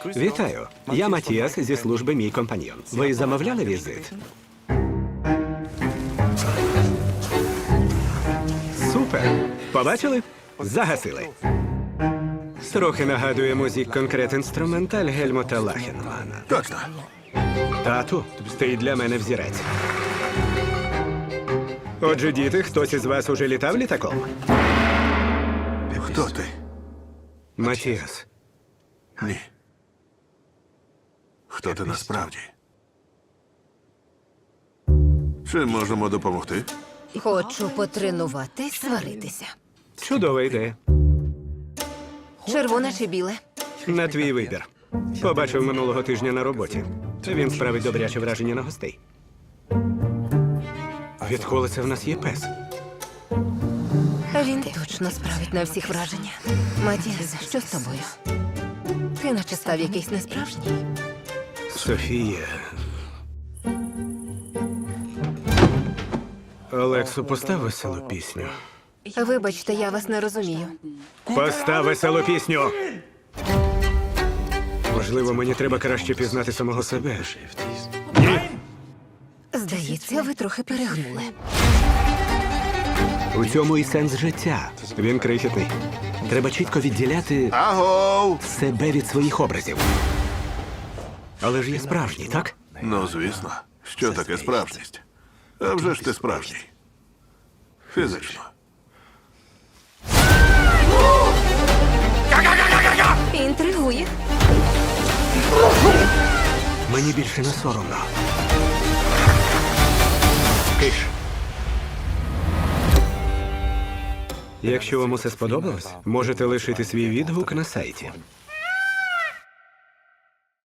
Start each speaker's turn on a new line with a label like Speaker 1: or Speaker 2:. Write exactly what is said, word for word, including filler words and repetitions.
Speaker 1: Вітаю. Я Матіас зі служби «Мій компаньйон». Ви замовляли візит? Супер! Побачили? Загасили. Трохи нагадує музик конкрет інструменталь Гельмута Лахенмана.
Speaker 2: Точно.
Speaker 1: Тату, ти для мене взірець. Отже, діти, хтось із вас уже літав літаком?
Speaker 2: Хто ти?
Speaker 1: Матіас.
Speaker 2: Ні. Хто ти насправді? Чим можемо допомогти?
Speaker 3: Хочу потренуватись сваритися.
Speaker 1: Чудова ідея.
Speaker 3: Червоне чи біле?
Speaker 1: На твій вибір. Побачив минулого тижня на роботі. Він справить добряче враження на гостей. Відколи це в нас є пес?
Speaker 3: Він точно справить на всіх враження. Матіас, що з тобою? Ти наче став якийсь несправжній.
Speaker 1: Софія. Олексу, постав веселу пісню.
Speaker 3: Вибачте, я вас не розумію.
Speaker 1: Постав веселу пісню! Можливо, мені треба краще пізнати самого себе. Ні!
Speaker 3: Здається, ви трохи перегнули.
Speaker 1: У цьому і сенс життя. Він крихітний. Треба чітко відділяти
Speaker 2: Агов!
Speaker 1: себе від своїх образів. Але ж є справжній, так?
Speaker 2: Ну, звісно. Що таке справжність? А вже ж ти справжній. Фізично.
Speaker 3: Інтригує.
Speaker 1: Мені більше не соромно. Киш. Якщо вам усе сподобалось, можете лишити свій відгук на сайті.